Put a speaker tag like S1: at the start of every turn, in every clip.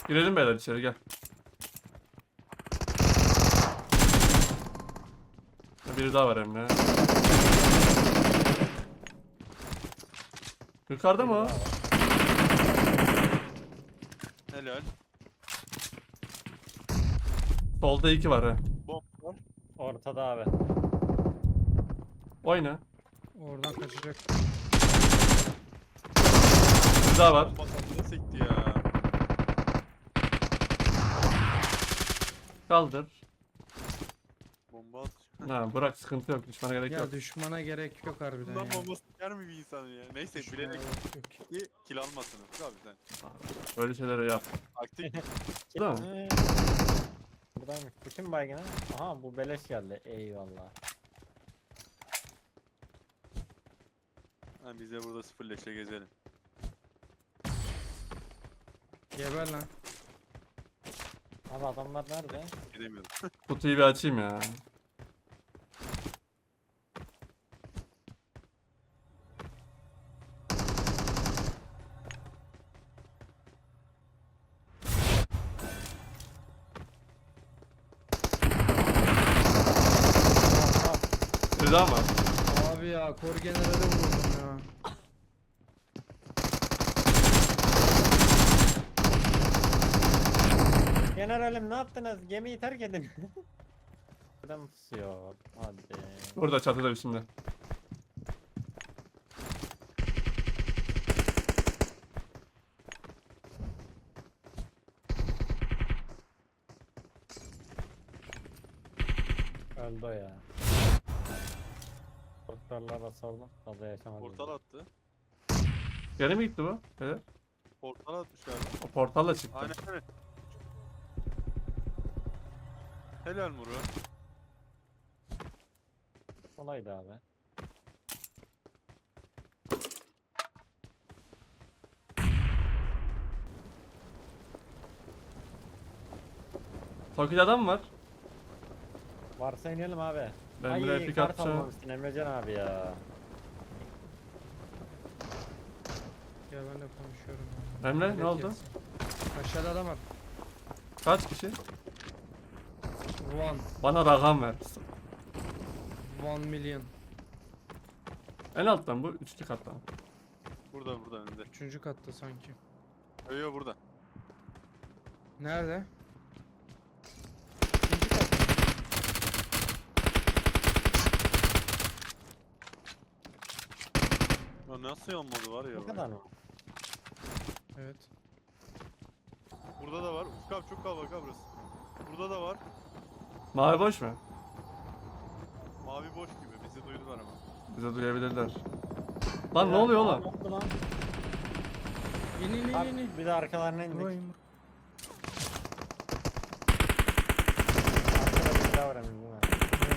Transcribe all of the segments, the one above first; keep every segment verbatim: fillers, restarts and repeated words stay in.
S1: Girelim beyler içeri gel. Biri daha var Emre. Yukarıda mı o?
S2: Helal.
S1: Solda iki var ha.
S2: Bomb var.
S3: Ortada abi.
S1: Oyna.
S4: Oradan kaçacak.
S1: Bir daha var.
S2: Bomba kafasına sekti ya.
S1: Kaldır.
S2: Bomba at.
S1: Ha bırak sıkıntı yok. Düşmana gerek
S4: Ya
S1: yok.
S4: düşmana gerek yok harbiden
S2: Bundan
S4: ya.
S2: bomba sıkar mı bir insan ya? Neyse
S4: Düşmana
S2: bilerek
S4: gerek yok.
S2: ki kill almasın Ufuk abi sen.
S1: Böyle şeyleri yap.
S2: Aktif.
S1: Değil mi?
S3: Ee, Buradaymış. Bütün baygına. Aha bu beleş geldi. Eyvallah.
S2: Ha, biz de burada sıfır leşle gezelim.
S4: Geber lan.
S3: Abi adamlar nerede?
S2: Gidemiyorum.
S1: Kutuyu bir açayım ya. Bir daha mı?
S4: Abi ya kor generale vurdum ya.
S3: Generalim ne yaptınız? Gemiyi terk edin. Buradan pusuyor. Hadi.
S1: Burada çatıda bir şimdi.
S3: Öldü o ya. Doktorlara sordum. Fazla yaşamadı.
S2: Portal attı.
S1: Geri mi gitti bu? Evet.
S2: Portal atmış galiba.
S1: O portalla çıktı.
S2: Aynen öyle. Helal Muru.
S3: Kolaydı abi.
S1: Tokyo'da adam mı var?
S3: Varsa inelim abi.
S1: Ben
S3: Ay,
S1: buraya pick
S3: kart
S1: atacağım.
S3: almamışsın Emrecan abi ya.
S4: Ya ben de konuşuyorum.
S1: Emre ne
S4: Millet
S1: oldu?
S4: yesin. Aşağıda adam var.
S1: Kaç kişi?
S4: One.
S1: Bana rakam ver.
S4: One million.
S1: En alttan bu. Üçlü kattan.
S2: Burada burada önünde.
S4: Üçüncü katta sanki.
S2: Yo yo burada.
S4: Nerede?
S3: İkinci kat.
S2: Ya nasıl yanmadı var ya.
S3: Ne kadar mı?
S4: Evet.
S2: Burada da var. Ufuk abi çok kalabalık abi burası. Burada da var.
S1: Mavi boş mu?
S2: Mavi boş gibi. Bizi duydular ama.
S1: Bize duyabilirler. Lan ne
S3: Ya,
S1: oluyor
S3: aa,
S1: oğlum?
S3: Ne oldu lan?
S4: İn in in
S3: Abi,
S4: in. in.
S3: bir de arkalarına indik.
S4: Vurayım, vur.
S3: Arkada bir daha var emin değil mi?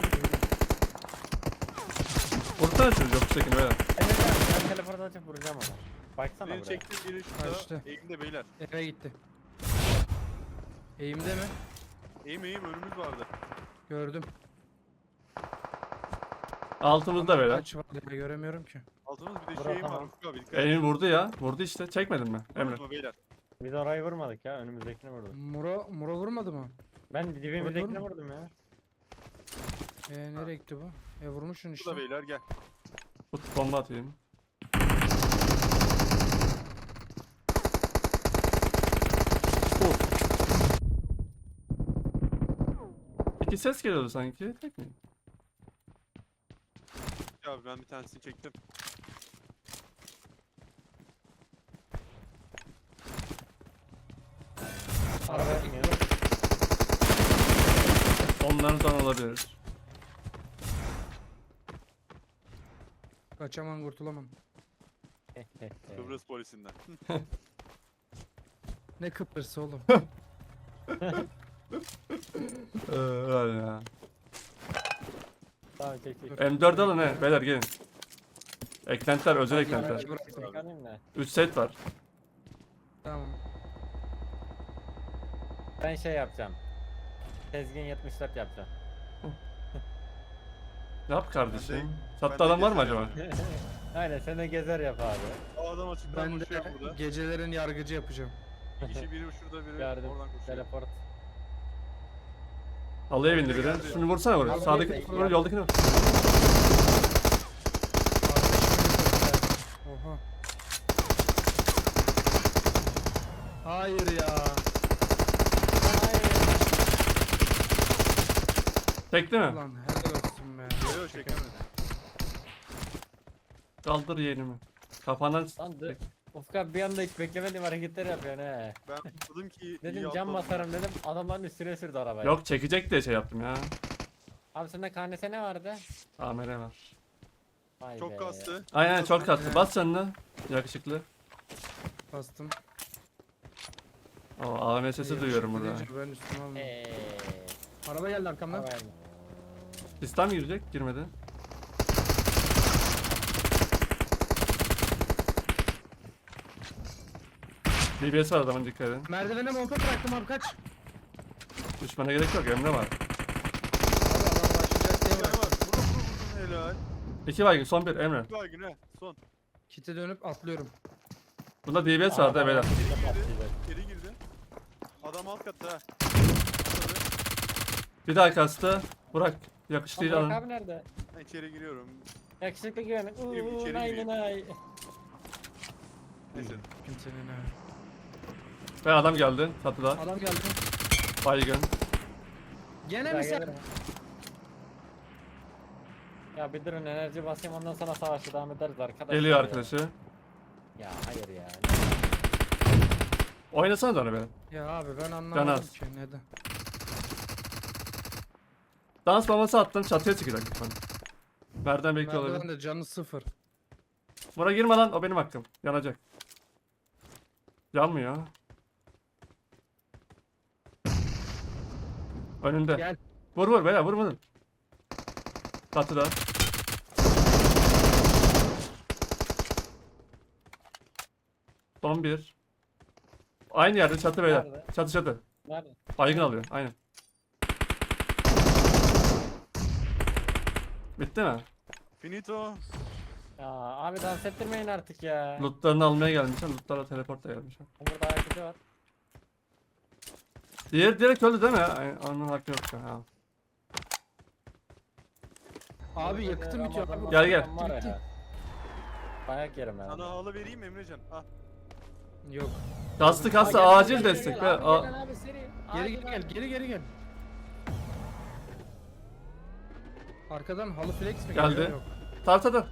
S1: Vursana şunu yok çekin böyle.
S3: Emrecan ben telefonu açıp vuracağım ona. Baksana
S2: Biri
S3: buraya.
S2: çekti biri şurada.
S4: Kaçtı.
S2: Eğimde beyler.
S4: Eve gitti. Eğimde mi?
S2: Eğim eğim önümüz vardı.
S4: Gördüm.
S1: Altımızda böyle.
S4: Kaç var ya göremiyorum ki.
S2: Altımız bir de
S3: Bura
S2: şu eğim var
S3: tamam.
S2: Ufuk abi. Dikkat
S1: Elini vurdu ya. Vurdu işte. Çekmedin mi? Emre.
S2: Vurma beyler.
S3: Biz orayı vurmadık ya önümüzdekini vurduk.
S4: Muro, Muro vurmadı mı?
S3: Ben dibimizdekini
S4: Vurdun
S3: vurdum ya.
S4: Eee nereye gitti bu? E vurmuşsun işte.
S2: Burada beyler gel.
S1: Tut bomba atayım. Vur. İki ses geliyordu sanki. Tek mi?
S2: Ya abi ben bir tanesini çektim.
S3: Araba iniyor.
S1: Onlardan olabilir.
S4: Kaçamam kurtulamam.
S2: Kıbrıs polisinden.
S4: Ne Kıbrıs'ı oğlum.
S1: Ee, öyle ya.
S3: Tamam çek çek.
S1: M dört alın he. Beyler gelin. Eklentiler özel eklentiler.
S4: Aracı bıraktım.
S3: Çıkarayım da.
S1: üç set var.
S4: Tamam.
S3: Ben şey yapacağım. Tezgin yetmiş dört yapacağım.
S1: Yap kardeşim.
S2: Ben de-
S1: Çatta
S2: ben de
S1: adam var mı
S2: gezerim
S1: acaba?
S2: ya.
S3: Aynen sen de gezer yap abi.
S2: O adam açıktan
S4: Ben
S2: koşuyor
S4: de
S2: burada.
S4: gecelerin yargıcı yapacağım.
S2: İki kişi biri şurada biri
S3: Gördüm.
S2: oradan koşuyor.
S3: Teleport.
S1: Halıya bindi biri. Şunu vursana buraya.
S3: Abi,
S1: Sağdaki
S3: neyse,
S1: vur,
S3: ya.
S1: yoldakini vur.
S4: Oha. Hayır ya.
S1: Tekti mi?
S4: Ulan helal olsun be.
S2: Yok çekemedi.
S1: Kaldır yeğenimi. Kafandan
S3: Lan dur. Ufuk abi bir anda hiç beklemediğim hareketler yapıyorsun he.
S2: Ben dedim ki iyi
S3: Dedim cam
S2: atladım.
S3: basarım dedim. Adamların üstüne sürdü arabayı.
S1: yok çekecek diye şey yaptım ya.
S3: Abi sende K N S ne vardı?
S1: A M R var.
S3: Vay
S2: Çok
S3: be.
S2: kastı.
S1: Aynen çok kastı.
S4: Aynen.
S1: Bas canını. Yakışıklı.
S4: Bastım.
S1: O A M sesi duyuyorum burada.
S4: Deyince Ben üstüme almadım.
S3: Eee.
S4: Araba geldi arkamdan.
S3: Havaya mı?
S1: Sistem girecek. Girmedi. D B S var adamın, dikkat edin.
S4: Merdivene monta bıraktım abi kaç.
S1: Düşmana gerek yok, Emre var.
S4: Abi adam başlayacak diye
S2: Bir tane
S4: bıraktım.
S2: var. Vurun vurun vurun helal.
S1: İki baygın, son bir Emre.
S2: Bir baygın he. Son.
S4: Kite dönüp atlıyorum.
S1: Bunda D B S vardı
S3: Aa,
S1: beyler.
S3: adam bize
S2: Geri
S3: patlayacak.
S2: Geri girdi. Adam alt katta ha. Atladı.
S1: Bir daha kastı. Burak. Yakıştı
S3: Lan Burak
S1: alın.
S3: abi nerede?
S2: Ben içeri giriyorum.
S3: Yakışıklı güvenlik.
S2: Gireyim,
S3: Uuu
S2: içeri
S3: nay
S2: gireyim.
S3: nay.
S2: Neyse.
S4: Kimsenin ha.
S1: Ve adam geldi. Çatıda.
S4: Adam geldi.
S1: Baygın.
S4: Gene
S3: Ya
S4: mi sen?
S3: gelirim. Ya bir durun enerji basayım ondan sonra savaşı devam ederiz arkadaşlar.
S1: Geliyor
S3: ya.
S1: arkadaşı.
S3: Ya hayır ya.
S1: Oynasana da onu be.
S4: Ya abi ben anlamadım
S1: Canaz.
S4: ki neden.
S1: Dans bombası attım, çatıya çıkacak lütfen. Merdiven bekliyor
S4: Merdiven
S1: olabilir.
S4: de canı sıfır.
S1: Buna girme lan, o benim hakkım. Yanacak. Yanmıyor. Önünde.
S4: Gel.
S1: Vur vur beyler, vur vur. Çatıda. Son bir. Aynı yerde çatı beyler.
S3: Nerede?
S1: Çatı çatı.
S3: Nerede?
S1: Baygın alıyor, aynen. Bitti mi?
S2: Finito.
S3: Ya abi dans ettirmeyin artık ya.
S1: Lootlarını almaya gelmişler. Lootlarla teleportla gelmişler.
S3: Burada hareketi var.
S1: Diğer direkt öldü değil mi? Ay, onun hakkı yok. Ha.
S4: Abi yakıtım bitiyor abi.
S1: Gel, gel.
S3: Var ya. Bayak yerim ya.
S2: Sana halı vereyim Emrecan. Ah.
S4: Yok.
S1: Kastı kastı,
S3: Aa, gel,
S1: acil
S3: gel, gel,
S1: destek.
S3: gel,
S1: be.
S3: abi,
S1: A-
S3: gel abi, seri.
S4: Geri
S3: Acil
S4: geri gel.
S3: abi.
S4: Geri geri gel. Arkadan halı flex mi
S1: Geldi.
S4: geliyor? Yok.
S1: Tartada.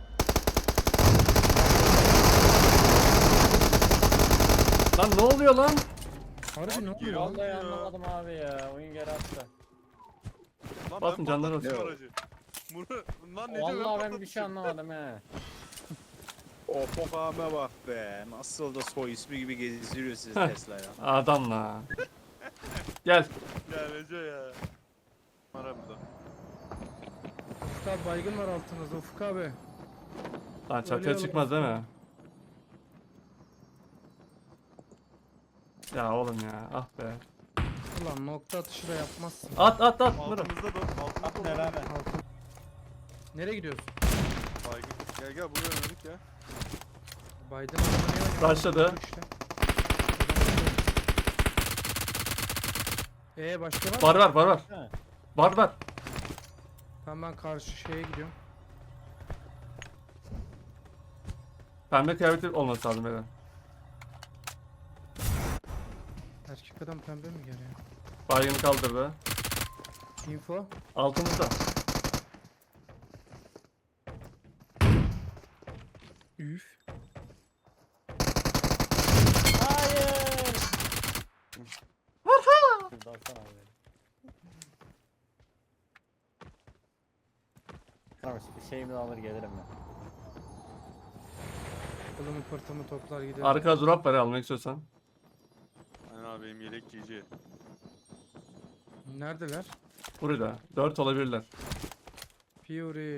S1: Lan ne oluyor lan?
S4: Harbi ne
S2: Geri
S4: oluyor?
S2: al.
S3: Vallahi
S2: Ya.
S3: anlamadım abi ya. Oyun geri attı.
S2: Lan
S1: Basın,
S2: ben
S1: canları
S2: patlatmışım
S1: olsun.
S2: aracı. Bunu lan ne diyor
S3: Vallahi ben bir şey
S2: patlatmışım.
S3: anlamadım he.
S5: O Pokem'e bak be. Nasıl da soy ismi gibi gezdiriyor sizi
S1: Heh.
S5: Tesla ya.
S1: Adam la. Gel.
S2: Ya Recep ya. Var burada.
S4: Ufuk abi baygın var altınızda Ufuk abi.
S1: Lan çatıya
S4: Ölüyorlar.
S1: çıkmaz değil mi? Ya oğlum ya, ah be.
S4: Ulan nokta atışı da yapmazsın.
S1: At at at. Vurun.
S2: Altımızda da. Altımızda
S3: At
S2: da.
S3: beraber.
S4: Altın. Nereye gidiyorsun?
S2: Baygın. Gel gel buraya oynadık ya.
S4: Biden adamı
S1: Başladı.
S4: işte. Ee başka var mı?
S1: Var var var var.
S3: He.
S1: Var var.
S4: Tamam ben karşı şeye gidiyorum.
S1: Pembe kıyafeti olması lazım beyler.
S4: Erkek adam pembe mi geliyor?
S1: Baygını kaldırdı.
S4: Info.
S1: Altımızda.
S4: Üf.
S3: Hayır. Varha. Baksana abi. Tamam bir şeyimi de alır gelirim ben.
S4: Kılımı pırtımı toplar giderim.
S1: Arkada drop var ya, almak istiyorsan.
S2: Aynen abi benim yelek giyici.
S4: Neredeler?
S1: Burada. Dört olabilirler.
S4: Fury.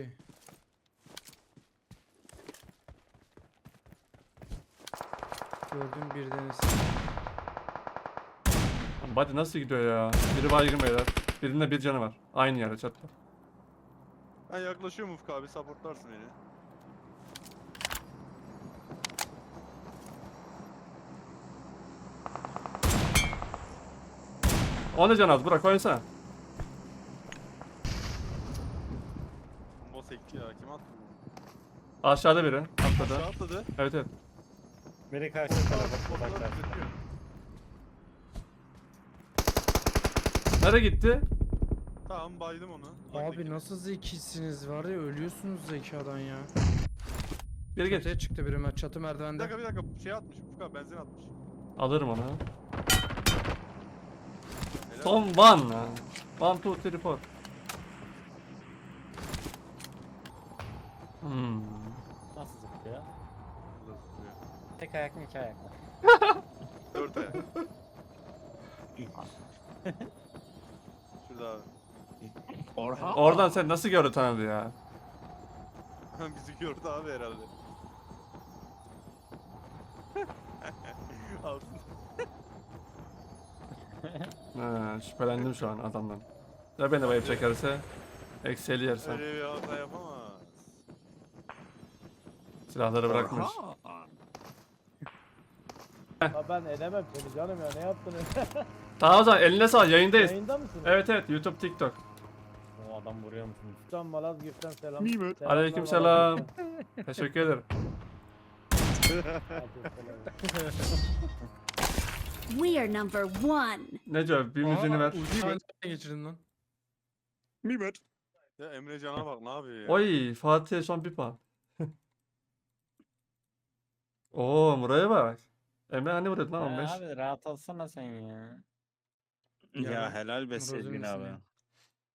S4: Gördüm bir deniz.
S1: Hadi nasıl gidiyor ya? Biri baygın beyler. Birinde bir canı var. Aynı yerde çatıda.
S2: Ben yaklaşıyorum Ufuk abi supportlarsın beni.
S1: O ne can az? Burak oynasana.
S2: Bomba sekti ya. Kim attı bunu?
S1: Aşağıda biri. Atladı.
S2: Aşağı atladı.
S1: Evet evet.
S3: Biri karşı tarafa
S2: Bombalar
S3: uzaklar.
S2: gözüküyor.
S1: Nereye gitti?
S2: Tamam baydım onu.
S4: Abi
S2: Öndeki.
S4: nasıl zekisiniz var ya, ölüyorsunuz zekadan ya.
S1: Biri geç.
S4: Çatıya çıktı biri, çatı
S2: Bir
S4: merdivende.
S2: dakika bir dakika şey atmış. Ufuk abi benzin atmış.
S1: Alırım onu.
S2: Helal.
S1: Son one. lan. One, two, three, four. Hmm.
S3: Nasıl zıplıyor?
S2: Burada zıplıyor.
S3: Tek ayak mı iki ayak mı?
S2: Dört ayak. Şurada abi.
S5: Orhan.
S1: Oradan sen nasıl gördün tanıdı ya?
S2: Bizi gördü abi herhalde. Altın.
S1: Ha, şüphelendim şu an adamdan. Ya beni bayıp çekerse eksi elli yersen.
S2: Öyle bir hata yapamaz.
S1: Silahları bırakmış.
S6: Ha ben edemem seni canım ya, ne yaptınız?
S1: Tamam o zaman eline sağ yayındayız.
S6: Yayında mısınız?
S1: Evet evet YouTube TikTok.
S3: O adam vuruyor musun?
S6: Buradan Malazgirt'ten selam.
S5: Nimet.
S6: Selamlar
S1: Aleykümselam.
S6: Malazgirt'ten.
S1: Teşekkür ederim.
S6: Aleykümselam.
S7: We are number one.
S1: Neco bir müziğini ver.
S4: Uzi'yi ben nereden geçirdim lan?
S5: Nimet.
S2: Ya Emre Can'a bak ne yapıyor ya.
S1: Oy Fatih'e son bir puan. Oo Muray'a bak. Emre hani vuruyordun lan on beş.
S3: Abi rahat olsana sen ya.
S5: Ya
S4: Ya,
S5: helal be
S4: Rozun
S5: Selin abi.
S4: ismi.